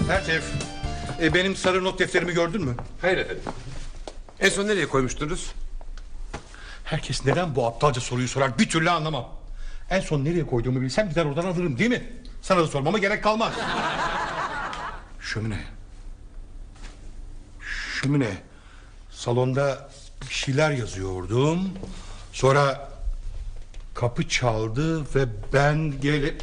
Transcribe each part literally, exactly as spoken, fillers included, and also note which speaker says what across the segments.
Speaker 1: Ertev, e, benim sarı not defterimi gördün mü?
Speaker 2: Hayır efendim. En son nereye koymuştunuz?
Speaker 1: Herkes neden bu aptalca soruyu sorar bir türlü anlamam. En son nereye koyduğumu bilsem gider oradan alırım değil mi? Sana da sormama gerek kalmaz. Şömine. Şömine. Salonda bir şeyler yazıyordum. Sonra kapı çaldı ve ben gelip...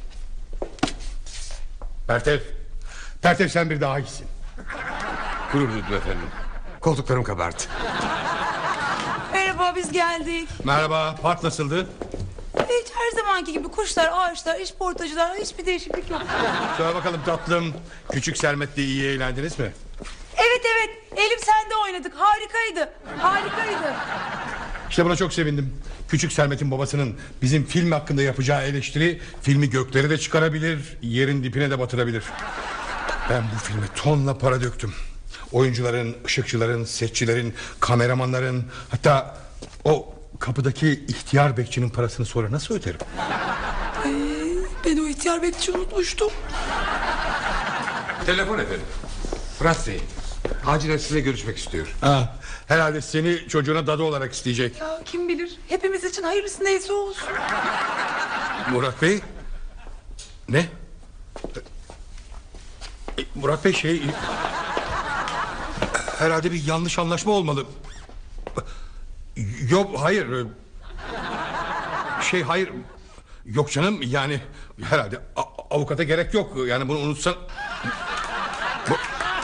Speaker 1: Pertev. Pertev sen bir daha iyisin.
Speaker 2: Gurur duydum efendim. Koltuklarım kabardı.
Speaker 3: Merhaba, biz geldik.
Speaker 1: Merhaba, park nasıldı?
Speaker 3: Hiç her zamanki gibi kuşlar, ağaçlar, işportacılar, hiçbir değişiklik yok.
Speaker 1: Söyle bakalım tatlım. Küçük Sermet'le iyi eğlendiniz mi?
Speaker 3: Evet evet, Elif sende oynadık. Harikaydı. Harikaydı.
Speaker 1: İşte buna çok sevindim. Küçük Sermet'in babasının bizim film hakkında yapacağı eleştiri filmi göklere de çıkarabilir, yerin dipine de batırabilir. Ben bu filme tonla para döktüm. Oyuncuların, ışıkçıların, setçilerin, kameramanların, hatta o kapıdaki ihtiyar bekçinin parasını sonra nasıl öderim?
Speaker 3: Ay, ben o ihtiyar bekçi unutmuştum.
Speaker 2: Telefon efendim. Fırat Bey. Acilen sizinle görüşmek istiyor.
Speaker 1: Ha, herhalde seni çocuğuna dadı olarak isteyecek.
Speaker 3: Ya kim bilir, hepimiz için hayırlısı neyse olsun.
Speaker 1: Murat Bey. Ne? E, Murat Bey şey... Herhalde bir yanlış anlaşma olmalı. Yok hayır. Şey hayır. Yok canım yani herhalde a- avukata gerek yok. Yani bunu unutsan... Bu...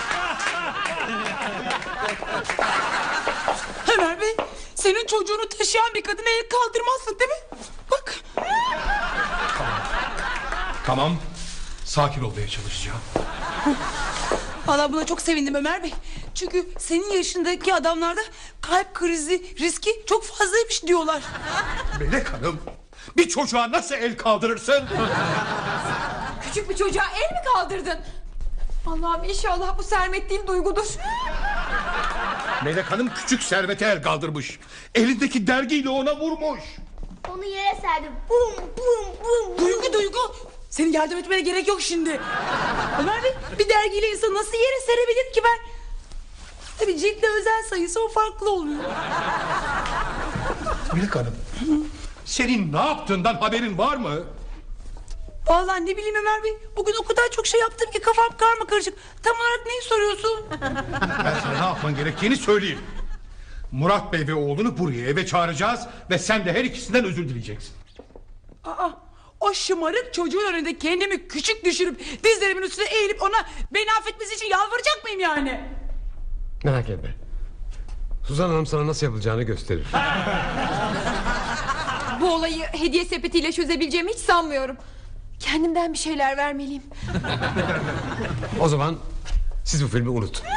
Speaker 3: Ömer Bey, senin çocuğunu taşıyan bir kadına el kaldırmazsın değil mi? Bak.
Speaker 1: Tamam. Sakin olmaya çalışacağım.
Speaker 3: Vallahi buna çok sevindim Ömer Bey. Çünkü senin yaşındaki adamlarda kalp krizi riski çok fazlaymış diyorlar.
Speaker 1: Melek Hanım, bir çocuğa nasıl el kaldırırsın?
Speaker 4: Küçük bir çocuğa el mi kaldırdın? Allah'ım inşallah bu Sermet değil Duygu'dur.
Speaker 1: Melek Hanım küçük Servet'e el kaldırmış. Elindeki dergiyle ona vurmuş.
Speaker 5: Onu yere serdim. Bum bum bum.
Speaker 3: Duygu Duygu, senin yardım etmene gerek yok şimdi. Ömer Bey, bir dergiyle insan nasıl yere serebilir ki ben? Tabii ciltle özel sayısı o farklı oluyor.
Speaker 1: Melek Hanım, senin ne yaptığından haberin var mı?
Speaker 3: Vallahi ne bileyim Ömer Bey, bugün o kadar çok şey yaptım ki kafam karma karışık. Tam olarak neyi soruyorsun?
Speaker 1: Ben sana ne yapman gerektiğini söyleyeyim. Murat Bey ve oğlunu buraya eve çağıracağız ve sen de her ikisinden özür dileyeceksin.
Speaker 3: Aa, o şımarık çocuğun önünde kendimi küçük düşürüp dizlerimin üstüne eğilip ona beni affetmesi için yalvaracak mıyım yani?
Speaker 2: Merak etme. Suzan Hanım sana nasıl yapılacağını gösterir.
Speaker 4: Bu olayı hediye sepetiyle çözebileceğimi hiç sanmıyorum. Kendimden bir şeyler vermeliyim.
Speaker 2: O zaman siz bu filmi unutun.